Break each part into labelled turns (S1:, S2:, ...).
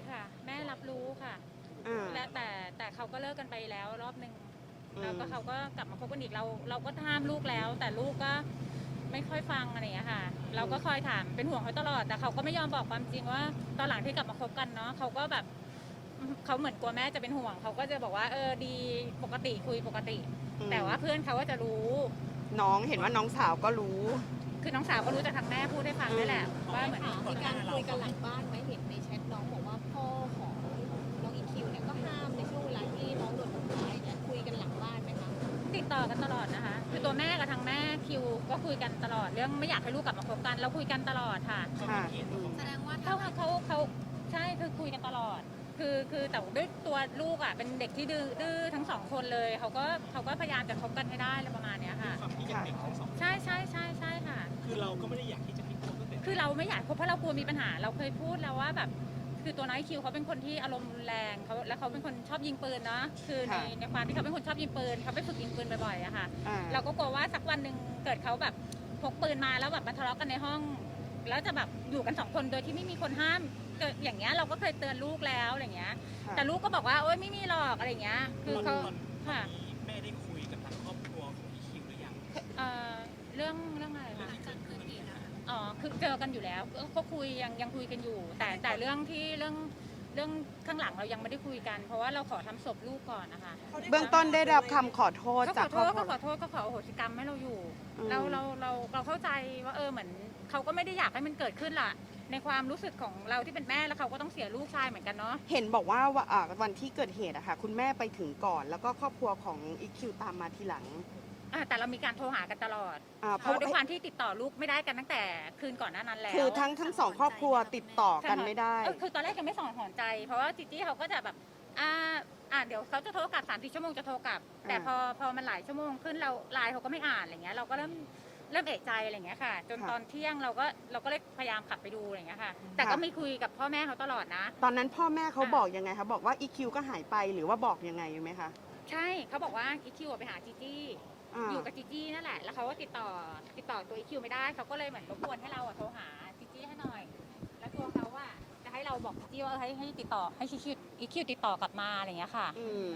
S1: ค่ะแม่รับรู้ค่ะ
S2: อ่า
S1: และแต่เขาก็เลิกกันไปแล้วรอบหนึ่ง
S2: อื
S1: แล้ว
S2: ม
S1: ก็เขาก็กลับมาคบกันอีกเราก็ห้ามลูกแล้วแต่ลูกก็ไม่ค่อยฟังอะไรอย่างเงี้ยค่ะเราก็คอยถามเป็นห่วงเขาตลอดแต่เขาก็ไม่ยอมบอกความจริงว่าตอนหลังที่กลับมาคบกันเนาะเขาก็แบบเขาเหมือนกลัวแม่จะเป็นห่วงเขาก็จะบอกว่าดีปกติคุยปกติ แต่ว่าเพื่อนเขาก็จะรู้
S2: น้องเห็นว่าน้องสาวก็รู้
S1: คือน้องสาวก็รู้จากทางแม่พูดให้ฟังนี่แหละว่าเหมือน
S3: มีการคุยกันหลังบ้านไหมเห็นในแชทน้องบอกว่าพ่อของน้องอีคิวเนี่ยก็ห้ามในช่วงเวลาที่น้องโดนทำร้ายเนี่ยคุยกันหลังบ้านไหมคะ
S1: ติดต่อกันตลอดนะคะคือตัวแม่กับทางแม่คิวก็คุยกันตลอดเรื่องไม่อยากให้ลูกกลับมาคบกันเราคุยกันตลอดค่ะ
S2: ค่ะ
S3: แสดงว่า
S1: เขาใช่คือคุยกันตลอดคือแต่ด้วยตัวลูกอ่ะเป็นเด็กที่ดื้อทั้งสองคนเลยเขาก็พยายามจะคบกันให้ได้อะไรประมาณเนี้ยค่ะ
S4: ความที่ยังเด็กทั้งสอง
S1: ใช่ค่ะ
S4: คือเราก็ไม่ได้อยากที่จะพิจารณาตั้งแต่
S1: คือเราไม่อยากคบเพราะเรากลัวมีปัญหาเราเคยพูดแล้วว่าแบบคือตัวน้อยคิวเขาเป็นคนที่อารมณ์รุนแรงเขาเป็นคนชอบยิงปืนเนาะคือในความที่เขาเป็นคนชอบยิงปืนเขาไปฝึกยิงปืนบ่อยๆอะค่ะ
S2: อ่า
S1: เราก็กลัวว่าสักวันหนึ่งเกิดเขาแบบพกปืนมาแล้วแบบมาทะเลาะกันในห้อง แล้วจะแบบอยู่กันสองคนโดยที่ไม่มีคนห้ามเกิดอย่างเงี้ยเราก็เคยเตือนลูกแล้วอะไรเงี้ย
S2: ค่ะ
S1: แต่ลูกก็บอกว่าโอ๊ยไม่มีหรอกอะไรเงี้ยคือเขา
S4: ตอน
S1: ค่ะ
S4: นี้แม่ได้คุยกับทางครอบครัวของอีคิวหรือยัง
S1: เรื่องอะไรคะ
S3: การเกิดเหตุนะคะ
S1: อ๋อคือเจอกันอยู่แล้วก็คุยยังคุยกันอยู่ แต่เรื่องข้างหลังเรายังไม่ได้คุยกัน เพราะว่าเราขอทำศพลูกก่อนนะคะ
S2: เบื้องต้นได้รับคำขอโทษ
S1: ก็ข
S2: จาก
S1: อ
S2: ค
S1: โท
S2: รอบ
S1: ษ
S2: ครั
S1: ก็
S2: ว
S1: ขอโทษก็ขออโหสิกรรมให้เราอยู่
S2: อืม
S1: เราเข้าใจว่าเหมือนเขาก็ไม่ได้อยากให้มันเกิดขึ้นล่ะ ในความรู้สึกของเราที่เป็นแม่แล้วเขาก็ต้องเสียลูกชายเหมือนกันเนาะ
S2: เห็นบอกว่าวันที่เกิดเหตุอะค่ะ คุณแม่ไปถึงก่อน แล้วก็ครอบครัวของอีคิวตามมาทีหลัง
S1: แต่เรามีการโทรหากันตลอด
S2: เพ
S1: เพ
S2: ราะ
S1: ราะด้วยความที่ติดต่อลูกไม่ได้กันตั้งแต่คืนก่อนหน้านั้นแล้ว
S2: คือทั้งสองครอบครัวติดต่อกันไม่ได้
S1: คือตอนแรกยังไม่ส่องหอนใจ เพราะว่าจิจี้เขาก็จะแบบเดี๋ยวเขาจะโทรกลับ3-4 ชั่วโมงจะโทรกลับ แต่พอมันหลายชั่วโมงขึ้นเราไลน์เขาก็ไม่อ่านอะไรเงี้ยเราก็เริ่มเอะใจอะไรเงี้ยค่ะ จน
S2: ค่ะ
S1: ตอนเที่ยงเราก็เลยพยายามขับไปดูอะไรเงี้ยค่ะ แต่ก็ไม่คุยกับพ่อแม่เขาตลอดนะ
S2: ตอนนั้นพ่อแม่เขาบอกยังไงคะบอกว่าอีคิวก็หายไปหรือว่าบอกยังไงไหมคะ
S1: ใช่เขาบอกว่าอีคิวไปหาจีจี้ อยู่กับจีจี้นั่นแหละ แล้วเขาก็ติดต่อตัวอีคิวไม่ได้เขาก็เลยเหมือนรบกวนให้เราโทรหาจีจี้ให้หน่อย แล้วตัวเขาจะให้เราบอกจีจี้ว่าให้ติดต่อให้อีคิวติดต่อกลับมาอะไรเงี้ยค่ะ
S2: อืม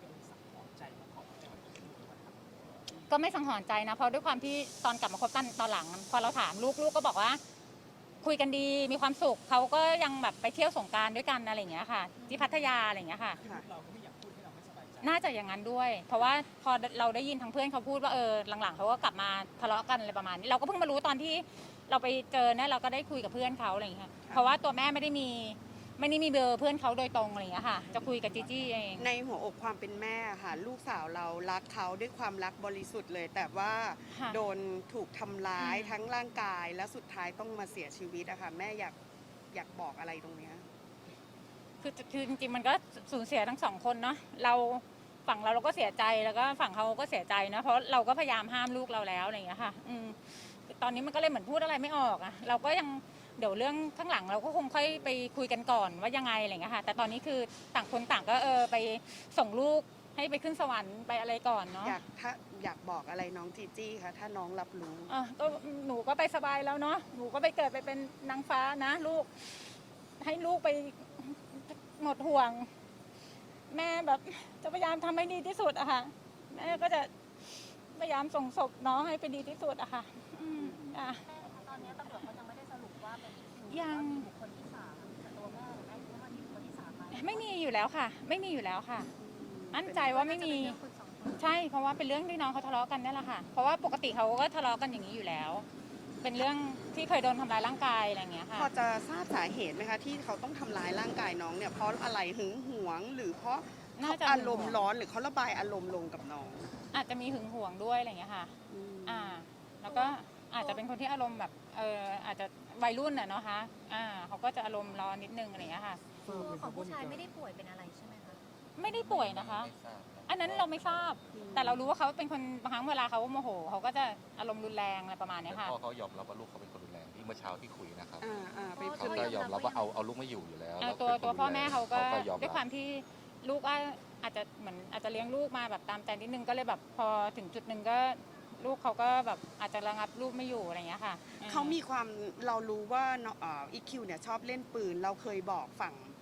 S1: ก็ไม่สังหรณ์ใจนะเพราะด้วยความที่ตอนกลับมาคบกันตอนหลังพอเราถามลูกก็บอกว่า คุยกันดีมีความสุขเขาก็ยังแบบไปเที่ยวสงกรานต์ด้วยกันอะไรอย่างเงี้ยค่ะ ที่พัทยาอะไรอย่างเงี้ยค่ะ
S2: ค่ะ
S4: เราก็ไม่อยากพูดให้เราไม่สบายใจ
S1: น่าจะอย่างนั้นด้วย เพราะว่าพอเราได้ยินทางเพื่อนเขาพูดว่าหลังๆเขาก็กลับมาทะเลาะกันอะไรประมาณนี้เราก็เพิ่งมารู้ตอนที่เราไปเจอเนี่ยเราก็ได้คุยกับเพื่อนเขาอะไรอย่างเงี้ยเพราะว่าตัวแม่ไม่ได้มีเบอร์เพื่อนเขาโดยตรงอะไรอย่างเงี้ยค่ะ จะคุยกับจีจี้เอง
S2: ในหัวอกความเป็นแม่ค่ะ ลูกสาวเรารักเขาด้วยความรักบริสุทธิ์เลย แต่ว่า
S1: ค่ะ
S2: โดนถูกทำร้าย
S1: อืม
S2: ทั้งร่างกายและสุดท้ายต้องมาเสียชีวิตอะค่ะแม่อยากบอกอะไรตรงเนี้ย
S1: คือจริงๆมันก็สูญเสียทั้งสองคนเนาะฝั่งเราก็เสียใจแล้วก็ฝั่งเขาก็เสียใจนะเพราะเราก็พยายามห้ามลูกเราแล้วอะไรอย่างเงี้ยค่ะตอนนี้มันก็เลยเหมือนพูดอะไรไม่ออกอะเราก็ยังเดี๋ยวเรื่องข้างหลังเราก็คงค่อยไปคุยกันก่อนว่ายังไงอะไรอย่างเงี้ยค่ะ แต่ตอนนี้คือต่างคนต่างก็ไปส่งลูกให้ไปขึ้นสวรรค์ไปอะไรก่อนเนาะ
S2: อยากบอกอะไรน้องจีจี้คะถ้าน้องรับรู้
S1: ก็หนูก็ไปสบายแล้วเนาะหนูก็ไปเกิดไปเป็นนางฟ้านะลูกให้ลูกไปหมดห่วง แม่แบบจะพยายามทำให้ดีที่สุดอะค่ะแม่ก็จะพยายามส่งศพน้องให้เป็นดีที่สุดอะค่ะตอนนี้ตำรวจเขายังไม่ได้สรุปว่าเป็นยังบุคคลที่3แต่ตัวแม่แม่คิดว่ามีบุคคลที่3ไหมไม่มีอยู่แล้วค่ะ ไม่มีอยู่แล้วค่ะมั่นใจว่าไม่มีใช่เพราะว่าเป็นเรื่องที่น้องเขาทะเลาะกันนี่แหละค่ะเพราะว่าปกติเขาก็ทะเลาะกันอย่างนี้อยู่แล้ว เป็นเรื่องที่เคยโดนทำร้ายร่างกายอะไรอย่างเงี้ยค่ะ
S2: พอจะทราบสาเหตุไหมคะที่เขาต้องทำร้ายร่างกายน้องเนี่ยเพราะอะไรหึงหวงหรือเพราะ
S1: น่าจะ
S2: อารมณ์ร้อนหรือเขาระบายอารมณ์ลงกับน้อง
S1: อาจจะมีหึงหวงด้วยอะไรอย่างเงี้ยค่ะ
S2: อืม
S1: แล้วก็อาจจะเป็นคนที่อารมณ์แบบอาจจะวัยรุ่นน่ะเนาะคะเขาก็จะอารมณ์ร้อนนิดนึงอะไรอย่างเงี้ยค่ะ
S3: ตัวของผู้ชายไม่ได้ป่วยเป็นอะไรใช่ไหมคะ
S1: ไม่ได้ป่วยนะคะ อันนั้นเราไม่ทราบ แต่เรารู้ว่าเขาเป็นคนบางครั้งเวลาเขาโมโหเขาก็จะอารมณ์รุนแรงอะไรประมาณเนี้ยค่ะ
S5: พ่อเขายอมรับว่าลูกเขาเป็นคนรุนแรงที่เมื่อเช้าที่คุยนะครับ
S2: ไป
S3: พ่อ
S5: เขาก็ยอมรับว่าเอาลูกไม่อยู่อยู่แล้วแล้ว
S1: ตัว
S5: เป็นคน
S1: ตัวพ่อแม่เขาก็
S5: ยอม
S1: ด้วยควา
S5: รับ
S1: มที่ลูกอาจจะเหมือนอาจจะเลี้ยงลูกมาแบบตามใจนิดนึงก็เลยแบบพอถึงจุดหนึ่งก็ลูกเขาก็แบบอาจจะระงับลูกไม่อยู่อะไรอย่างเงี้ยค่ะ
S2: เขามีความเรารู้ว่าอีคิวเนี่ยชอบเล่นปืนเราเคยบอกฝั่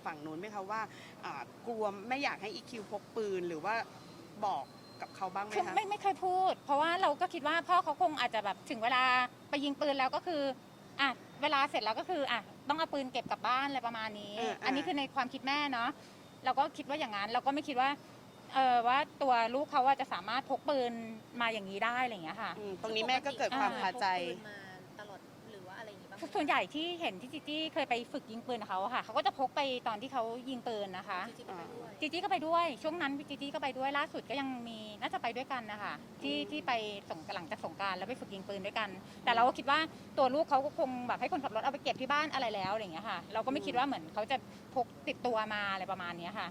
S2: ฝั่งนู้นไหมคะว่ากลัวไม่อยากให้อีคิวพกปืนหรือว่าบอกกับเขาบ้างไหม
S1: คือ
S2: คะ
S1: ไม่เคยพูด เพราะว่าเราก็คิดว่าพ่อเขาคงอาจจะแบบถึงเวลาไปยิงปืนแล้วก็คือเวลาเสร็จแล้วก็คือต้องเอาปืนเก็บกลับบ้านอะไรประมาณนี้ อันนี้คือในความคิดแม่เนาะเราก็คิดว่าอย่างนั้นเราก็ไม่คิดว่าว่าตัวลูกเขาว่าจะสามารถพกปืนมาอย่างนี้ได้อะไรอย่างเงี้ยค่ะ
S2: ตรงนี้แม่ก็เกิดความคาใจ
S3: พกปืนมาตลอดหรือว่าอะไรอย่างงี้บ้างไหม
S1: ส่วนใหญ่ที่เห็นที่จีจี้เคยไปฝึกยิงปืนกับเขาอะค่ะเขาก็จะพกไปตอนที่เขายิงปืนนะคะ
S3: จริงๆไปด้วย
S1: จีจี้ก็ไปด้วยช่วงนั้นจีจี้ก็ไปด้วยล่าสุดก็ยังมีน่าจะไปด้วยกันนะคะที่ไปหลังจากสงกรานต์แล้วไปฝึกยิงปืนด้วยกัน แต่เราก็คิดว่าตัวลูกเขาก็คงแบบให้คนขับรถเอาไปเก็บที่บ้านอะไรแล้วอะไรอย่างเงี้ยค่ะเราก็ไม่คิดว่าเหมือนเขาจะพกติดตัวมาอะไรประมาณเนี้ยค่ะ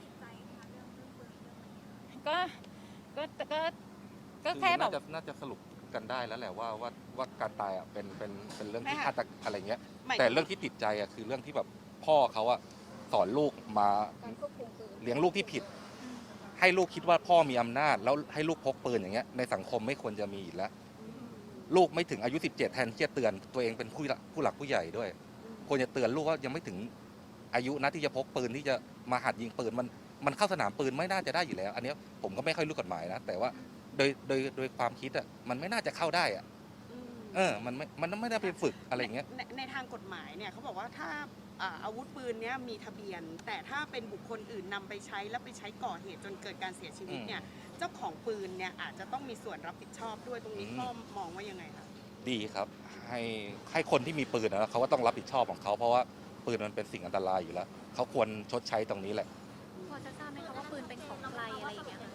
S1: ก็แค่แบบ
S5: น่าจะสรุปกันได้แล้วแหละว่าการตายอ่ะเป็นเรื่องที่
S2: ไม่ค่ะ
S5: ฆาตอะไรเงี้ย
S2: หมายถึง
S5: แต่เรื่องที่ติดใจอ่ะคือเรื่องที่แบบพ่อเขาอ่ะสอนลูกมา
S3: การควบคุมปืน
S5: เลี้ยงลูกที่ผิด ให้ลูกคิดว่าพ่อมีอำนาจแล้วให้ลูกพกปืนอย่างเงี้ยในสังคมไม่ควรจะมีอีกแล้ว ลูกไม่ถึงอายุ 17 แทนที่จะเตือนตัวเองเป็นผู้หลักผู้ใหญ่ด้วย ควรจะเตือนลูกว่ายังไม่ถึงอายุนะที่จะพกปืนที่จะมาหัดยิงปืนมันเข้าสนามปืนไม่น่าจะได้อยู่แล้ว อันเนี้ยผมก็ไม่ค่อยรู้กฎหมายนะแต่ว่าโดยความคิดอ่ะมันไม่น่าจะเข้าได้อ่ะมันไม่ได้ไปฝึกอะไรอย่างเงี้ย
S2: ในทางกฎหมายเนี่ยเขาบอกว่าถ้าอาวุธปืนเนี้ยมีทะเบียน แต่ถ้าเป็นบุคคลอื่นนำไปใช้แล้วไปใช้ก่อเหตุจนเกิดการเสียชีวิตเนี่ยเจ้าของปืนเนี่ยอาจจะต้องมีส่วนรับผิดชอบด้วยตรงนี้พ่อมองว่ายังไงคะ
S5: ดีครับให้คนที่มีปืนนะเขาก็ต้องรับผิดชอบของเขาเพราะว่าปืนมันเป็นสิ่งอันตรายอยู่แล้วเขาควรชดใช้ตรงนี้แหละ
S3: พอจะทราบไหมคะว่าปืนเป็นของใครอะไรอย่างเงี้ยค่ะ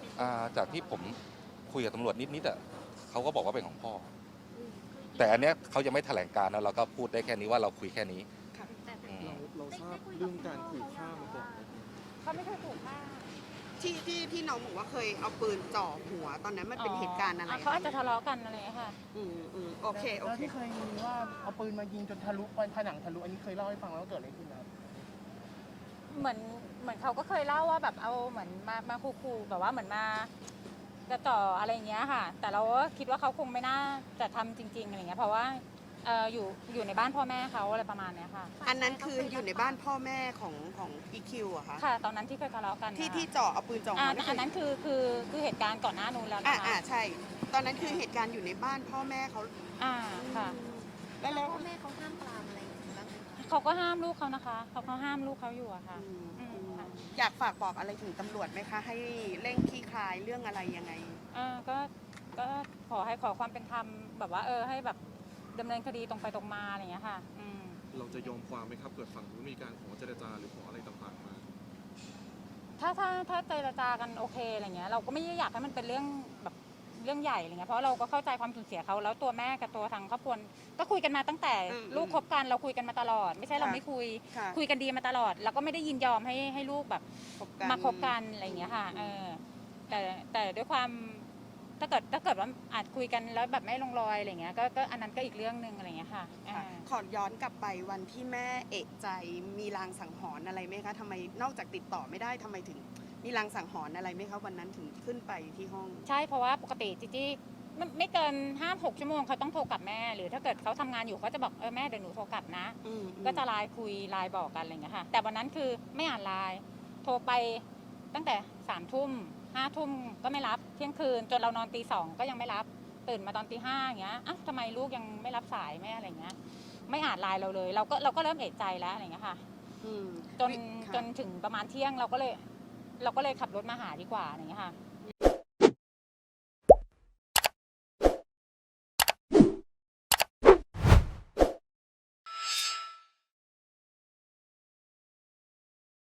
S5: จากที่ผมคุยกับตำรวจนิดอ่ะเขาก็บอกว่าเป็นของพ่อ แต่อันเนี้ยเขายังไม่แถลงการนะเราก็พูดได้แค่นี้ว่าเราคุยแค่นี้
S3: แต่
S6: เราทราบเรื่องการขู่ฆ่ามาก่อนไหม
S1: เขาไม่เคยถูกฆ่า
S2: ที่น้องบอกว่าเคยเอาปืนจ่อหัว ตอนนั้นมันเป็นเหตุการณ์อะไร
S1: เขาอาจจะทะเลาะกันอะไรอย่างเงี้ยค่ะ
S2: โอเค
S6: แล้วที่เคยมีว่าเอาปืนมายิงจนทะลุไปผนังทะลุอันนี้เคยเล่าให้ฟังแล้วว่าเกิดอะไรขึ้นนะครับ
S1: เหมือนเขาก็เคยเล่าว่าแบบเอาเหมือนมาขู่ๆแบบว่าเหมือนมาจะต่ออะไรอย่างเงี้ยค่ะ แต่เราก็คิดว่าเขาคงไม่น่าจะทำจริงๆอะไรเงี้ยเพราะว่าอยู่ในบ้านพ่อแม่เขาอะไรประมาณเนี้ยค่ะ
S2: อันนั้นคืออยู่ในบ้านพ่อแม่ของอีคิวอะคะ
S1: ค่ะ ตอนนั้นที่เคยทะเลาะกัน
S2: ที่จ่อเอาปืนจ่อหัว
S1: อันนั้นคือเหตุการณ์ก่อนหน้านู้นแล้วนะคะ
S2: ใช่ ตอนนั้นคือเหตุการณ์อยู่ในบ้านพ่อแม่เขา
S1: ค่ะ
S2: แล้ว
S3: พ่อแม่เขาห้ามปรามอะไรอย่างงี้บ้างไหมคะ
S1: เขาก็ห้ามลูกเขานะคะเขาห้ามลูกเขาอยู่อะค่ะค่ะ
S2: อยากฝากบอกอะไรถึงตำรวจไหมคะ ให้เร่งคลี่คลายเรื่องอะไรยังไง
S1: ก็ขอความเป็นธรรมแบบว่าให้แบบดำเนินคดีตรงไปตรงมาอะไรอย่างเงี้ยค่ะ
S6: เราจะยอมความไหมครับเกิดฝั่งนู้นมีการขอเจรจาหรือขออะไรต่างๆมา
S1: ถ้าเจรจากันโอเคอะไรเงี้ยเราก็ไม่ได้อยากให้มันเป็นเรื่องแบบเรื่องใหญ่อะไรเงี้ยเพราะเราก็เข้าใจความสูญเสียเขาแล้วตัวแม่กับตัวทางครอบครัวก็คุยกันมาตั้งแต่ลูกคบกันเราคุยกันมาตลอด ไม่ใช่เราไม่คุย
S2: ค่ะ
S1: คุยกันดีมาตลอด แล้วก็ไม่ได้ยินยอมให้ลูกแบบ มาคบกันอะไรอย่างเงี้ยค่ะแต่ด้วยความถ้าเกิดว่าอาจคุยกันแล้วแบบไม่ลงรอยอะไรเงี้ยก็อันนั้นก็อีกเรื่องหนึ่งอะไรเงี้ยค่ะ
S2: ขอย้อนกลับไปวันที่แม่เอกใจมีลางสังหรณ์อะไรไหมคะทำไมนอกจากติดต่อไม่ได้ทำไมถึงมีลางสังหรณ์อะไรไหมคะวันนั้นถึงขึ้นไปที่ห้อง
S1: ใช่เพราะว่าปกติจีจี้ไม่เกิน5-6 ชั่วโมงเขาต้องโทรกลับแม่ หรือถ้าเกิดเขาทำงานอยู่เขาจะบอกแม่เดี๋ยวหนูโทรกลับนะ ก็จะไลน์คุยไลน์บอกกันอะไรอย่างเงี้ยค่ะแต่วันนั้นคือไม่อ่านไลน์โทรไปตั้งแต่3 ทุ่ม5 ทุ่มก็ไม่รับเที่ยงคืนจนเรานอนตี 2ก็ยังไม่รับตื่นมาตอนตี 5อย่างเงี้ยทำไมลูกยังไม่รับสายแม่อะไรเงี้ยไม่อ่านไลน์เราเลยเราก็เริ่มเอะใจแล้วอะไรเงี้ยค่ะจนถึงประมาณเที่ยงเราก็เลยขับรถมาหาดีกว่าอะไรเงี้ยค่ะ